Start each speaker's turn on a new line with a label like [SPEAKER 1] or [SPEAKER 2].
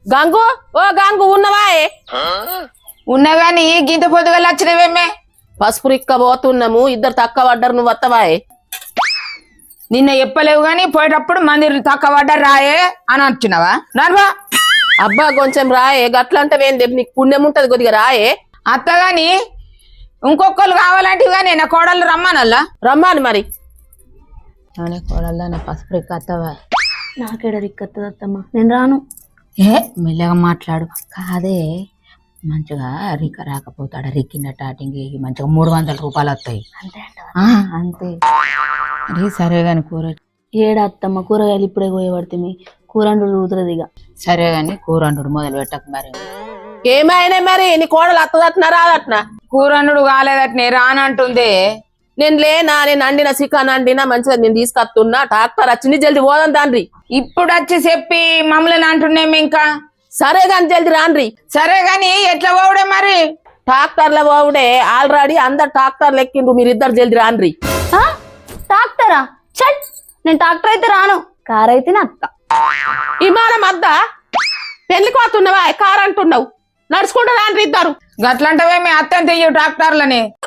[SPEAKER 1] గంగు ఓ గంగు ఉన్నవా
[SPEAKER 2] ఉన్నా గాని గింత పొద్దుగా వచ్చినవేమే
[SPEAKER 1] పసుపు రిక్క పోతున్నాము ఇద్దరు తక్క పడ్డారు నువ్వు వత్తవాయే
[SPEAKER 2] నిన్న చెప్పలేవు గాని పోయేటప్పుడు మంది తక్కువ పడ్డారు రాయే అని అంటున్నావా నర్వా
[SPEAKER 1] అబ్బా కొంచెం రాయే గట్లంటే నీకు పుణ్యం ఉంటది కొద్దిగా రాయే
[SPEAKER 2] అత్తగాని ఇంకొకళ్ళు కావాలంటే కానీ నా కోడళ్ళు రమ్మానల్లా
[SPEAKER 1] రమ్మాను మరి
[SPEAKER 2] కోడల్లా నా పసుపు రిక్క అత్తవా
[SPEAKER 3] నాకేడ రిక్కత్తది అత్తమ్మ నేను రాను
[SPEAKER 2] ఏ మెల్లగా మాట్లాడు కాదే మంచిగా రిక్క రాకపోతాడు రిక్కిన టాటింగ్ మంచిగా 300 రూపాయలు వస్తాయి
[SPEAKER 3] అంతే
[SPEAKER 2] అంతే అది సరే గాని కూర
[SPEAKER 3] ఏడా అత్తమ్మ కూరగాయలు ఇప్పుడే కోయబడుతుంది కూరండు ఊతురది ఇక
[SPEAKER 2] సరే గాని కూరండు మొదలు పెట్టక మరి
[SPEAKER 1] ఏమైనా మరి నీ కోడలు అత్తదట్నా రాదట్నా
[SPEAKER 2] కూరండు కాలేదట్నే రానంటుంది
[SPEAKER 1] నేను లేనా నేను అండిన చికెన్ అండినా మంచిగా నేను తీసుకొస్తున్నా డాక్టర్ వచ్చింది జల్ది పోదాం తండ్రి
[SPEAKER 2] ఇప్పుడు వచ్చి చెప్పి మమ్మల్ని అంటున్నాము ఇంకా
[SPEAKER 1] సరే గాని జల్ది రాండ్రి
[SPEAKER 2] సరే గాని ఎట్లా పోవడే మరి
[SPEAKER 1] ట్రాక్టర్ల పోవుడే ఆల్రెడీ అందరు ట్రాక్టర్లు ఎక్కిండ్రు మీరిద్దరు జల్ది రాండ్రి
[SPEAKER 3] ట్రాక్టరా చల్ నేను ట్రాక్టర్ అయితే రాను కార్ అయితే అత్త
[SPEAKER 1] విమానం అద్దా పెళ్లికి పోతున్నావా కారు అంటున్నావు నడుచుకుంటూ రాండ్రి ఇద్దరు
[SPEAKER 2] గట్లంటవే మీ అత్తని తెయ్యు ట్రాక్టర్లని